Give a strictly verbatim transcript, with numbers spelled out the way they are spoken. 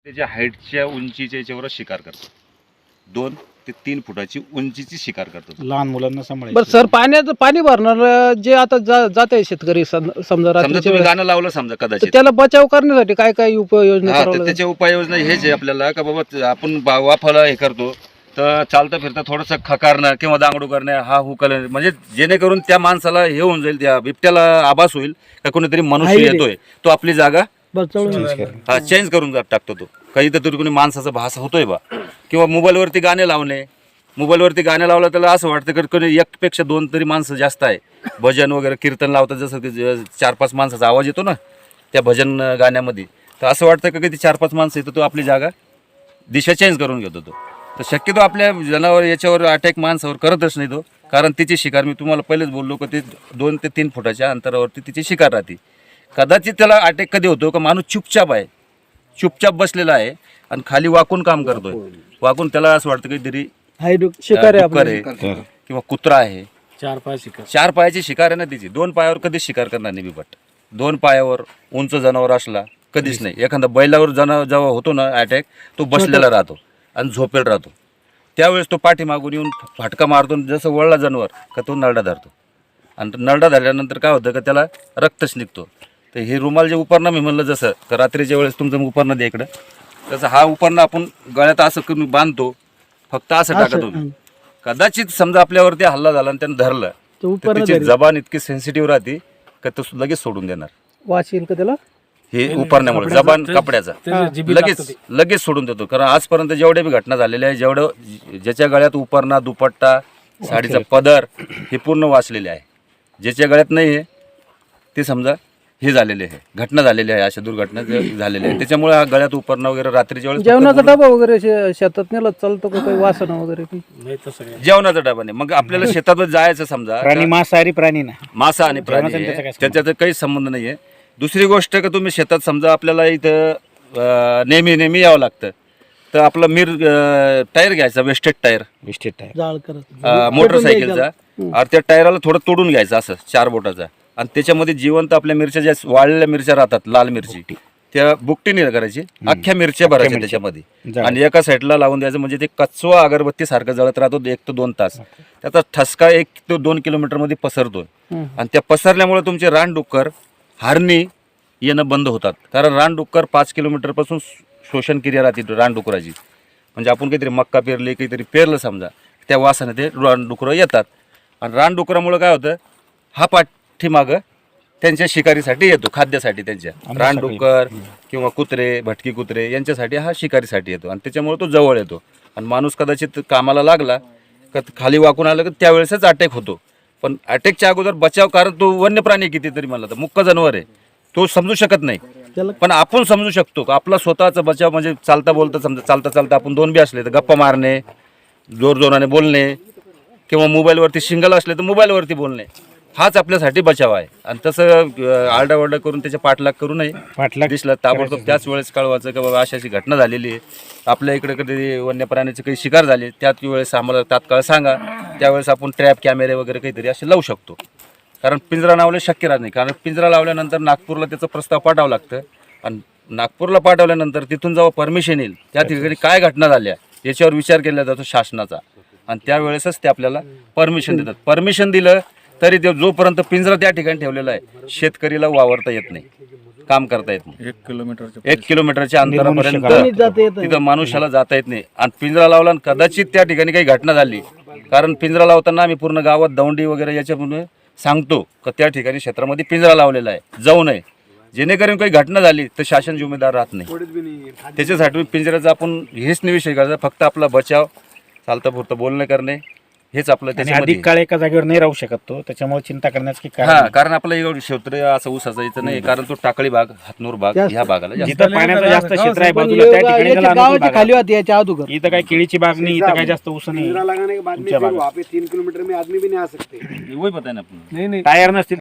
त्याच्या हाईटच्या उंचीच्या याच्यावर शिकार करतात. दोन ते तीन फुटाची उंचीची शिकार करतात. लहान मुलांना सांभाळायचं. बरं सर, पाण्याचं पाणी भरणार जे आता जात आहे शेतकरी सम- समजा समजा रात्रीच्या तुम्ही वेळेस, गाणं लावलं समजा तर कदाचित, त्याला बचाव करण्यासाठी काय काय उपाययोजना हा करावं तर लागेल? त्याच्या उपाययोजना हेच आहे आपल्याला का बाबा आपण बा- वाफाला हे करतो तर चालता फिरता थोडंसं खकारणं किंवा दांगडू करणं, हा हुकल, म्हणजे जेणेकरून त्या माणसाला हे होऊन जाईल, त्या बिबट्याला आभास होईल का कोणीतरी मनुष्य आहे रे. येतोय, तो आपली जागा बचावून हा चेंज करून जात टाकतो. तो काही तर कोणी माणसाचा भास होतोय बा, किंवा मोबाईलवरती गाणे लावणे. मोबाईलवरती गाणे लावलं त्याला असं वाटतं की कोणी एकपेक्षा दोन तरी माणसं जास्त आहे. भजन वगैरे कीर्तन लावतात, जसं की ज- चार पाच माणसाचा आवाज येतो ना त्या भजन गाण्यामध्ये, तर असं वाटतं का ती चार पाच माणसं येतो, तो आपली जागा दिशा चेंज करून घेतो. तो तर शक्यतो आपल्या जनावर याच्यावर अटॅक माणसावर करतच नाही तो, कारण तिची शिकार मी तुम्हाला पहिलेच बोललो की ते दोन ते तीन फुटाच्या अंतरावरती तिची शिकार राहते. कदाचित त्याला अटॅक कधी होतो का माणूस चुपचाप आहे, चुपचाप बसलेला आहे आणि खाली वाकून काम करतोय. वाकून त्याला असं वाटतं काहीतरी हाय डुक- शिकार आहे डुक्कर आपलं. आहे किंवा कुत्रा आहे. चार पाच शिकार. चार पायाची शिकार आहे ना तिची, दोन पायावर कधीच शिकार करणार नाही बिबट. दोन पायावर उंच जनावर असला कधीच नाही. एखादा बैलावर जनावर जेव्हा होतो ना अटॅक, तो बसलेला राहतो आणि झोपेल राहतो. त्यावेळेस तो पाठीमागून येऊन फाटका मारतो, जसं वळला जनावर का तो नरडा धरतो, आणि तो नरडा धरल्यानंतर काय होतं का त्याला रक्तच निघतो. तर हे रुमाल जे उपरणं मी म्हणलं, जसं का रात्रीच्या वेळेस तुमचं उपरणं द्या इकडं, तसं हा उपरणं आपण गळ्यात असं करून बांधतो, फक्त असं टाका तुम्ही. कदाचित समजा आपल्यावरती हल्ला झाला आणि त्यानं धरलं तो तर उपरणं त्याची धरेल. जबान इतकी सेन्सिटिव्ह राहते का तो लगेच सोडून देणार. वास येईल का त्याला? हे उपरण्यामुळे जबान कपड्याचा लगेच लगेच सोडून देतो. कारण आजपर्यंत जेवढ्या बी घटना झालेल्या आहे, जेवढं ज्याच्या गळ्यात उपरणा, दुपट्टा, साडीचा पदर हे पूर्ण वाचलेले आहे. ज्याच्या गळ्यात नाही आहे ते समजा हे झालेले आहे, घटना झालेली आहे, अशा दुर्घटना जे झालेल्या आहे. त्याच्यामुळे हा गळ्यात उपरणं वगैरे रात्रीच्या वेळेस जेवणाचा डबा वगैरे शे- शेतात नेला चालतो का? काही वासना वगैरे काही? नाही तसं काय. जेवणाचा डबा नाही. मग आपल्याला शेतातच जायचं समजा, प्राणी मांसाहारी प्राणी ना. मासा आणि प्राणी जेवणाचा त्याचा आहे, काय संबंध? त्याच्यात काही संबंध नाही आहे. दुसरी गोष्ट का तुम्ही शेतात समजा आपल्याला इथं अं, नेहमी नेहमी यावं लागतं, तर आपलं मिर टायर घ्यायचा, वेस्टेड टायर विस्टेट आहे. जाळ करत अं, मोटरसायकलचा, आणि त्या टायराला थोडं तोडून घ्यायचं असं चार बोटाचा, आणि त्याच्यामध्ये जिवंत आपल्या मिरच्या ज्या वाळलेल्या मिरच्या राहतात, लाल मिरची, त्या बुकटीने करायची, अख्ख्या मिरच्या भरायच्या त्याच्यामध्ये, जाळ. आणि एका साईडला लावून द्यायचं. म्हणजे ते कचवा अगरबत्ती सारखं जळत राहतो एक ते दोन तास. त्याचा ठसका एक ते दोन किलोमीटर मध्ये पसरतो, आणि त्या पसरल्यामुळे तुमचे रानडुक्कर, हरणी येणं बंद होतात. कारण रानडुक्कर पाच किलोमीटर पासून शोषण क्रिया राहते रानडुकराची. म्हणजे आपण काहीतरी मक्का पेरली, काहीतरी पेरलं समजा, त्या वासाने ते रानडुकरं येतात, आणि रानडुकरामुळे काय होतं, हा पाठीमागं त्यांच्या शिकारीसाठी येतो, खाद्यासाठी. त्यांच्या रानडुक्कर किंवा कुत्रे, भटकी कुत्रे यांच्यासाठी हा शिकारीसाठी येतो, आणि त्याच्यामुळे तो जवळ येतो. आणि माणूस कदाचित कामाला लागला का खाली वाकून आलं की त्यावेळेसच अटॅक होतो. पण अटॅकच्या अगोदर बचाव, कारण तो वन्य प्राणी कितीतरी म्हणला तर मुक्क जनावर आहे, तो समजू शकत नाही. त्याला पण आपण समजू शकतो का आपला स्वतःचा बचाव. म्हणजे चालता बोलता समजा, चालता चालता आपण दोन बी असले तर गप्पा मारणे, जोर जोराने बोलणे, किंवा मोबाईलवरती सिंगल असले तर मोबाईलवरती बोलणे, हाच आपल्यासाठी बचाव आहे. आणि तसं आरडाओरडा करून त्याच्या पाठलाग करू नये. पाठलाग दिसलं ताबडतोब त्याच वेळेस कळवायचं की बाबा अशी अशी घटना झालेली आहे, आपल्या इकडे कधी वन्य प्राण्याची काही शिकार झाली, त्याच वेळेस आम्हाला तात्काळ सांगा. त्यावेळेस आपण ट्रॅप कॅमेरे वगैरे काहीतरी असे लावू शकतो. कारण पिंजरा लावले शक्य राहत नाही, कारण पिंजरा लावल्यानंतर नागपूरला त्याचा प्रस्ताव पाठवावं लागतं, आणि नागपूरला पाठवल्यानंतर तिथून जेव्हा परमिशन येईल त्या ठिकाणी काय घटना झाल्या याच्यावर विचार केला जातो शासनाचा, आणि त्यावेळेसच ते आपल्याला परमिशन देतात. परमिशन दिलं तरी ते जोपर्यंत पिंजरा त्या ठिकाणी ठेवलेला आहे, शेतकरीला वावरता येत नाही, काम करता येत नाही. एक किलोमीटर एक किलोमीटरच्या अंतरापर्यंत जाता येत नाही. तिथं मनुष्याला जाता येत नाही. आणि पिंजरा लावला आणि कदाचित त्या ठिकाणी काही घटना झाली, कारण पिंजरा लावताना आम्ही पूर्ण गावात दौंडी वगैरे याच्यामुळे सांगतो का त्या ठिकाणी क्षेत्रामध्ये पिंजरा लावलेला आहे, जाऊ नये. जेणेकरून काही घटना झाली तर शासन जिम्मेदार राहत नाही. त्याच्यासाठी पिंजऱ्याचा आपण हेच नाही विषय करायचा, फक्त आपला बचाव, चालतं पुरतं बोलणं करणे, हेच आपलं आणि त्याच्यामध्ये. अधिक काळ एका जागेवर नाही राहू शकत तो, त्याच्यामुळे चिंता करण्याचं की हा, कारण कारण आपलं एवढं क्षेत्र असं ऊसाचं इथं नाही, कारण तो टाकळी भाग, हातनूर भाग ह्या भागाला जास्त. जिथं पाण्याचं जास्त क्षेत्र आहे पण बाजूला त्या योगा- ठिकाणी याच्या त्याला अनुकूल गावाच्या भाग खाली आहे. होती याच्या अगोदर. इथं काय केळीची बाग नाही, इथं काय जास्त ऊस नाही. लगाने के बाद में ऊंचा फिर भाग। वहाँ पे तीन किलोमीटर में आदमी भी नहीं आ सकते। वही पता है ना आपण. नाही नाही टायर नसतील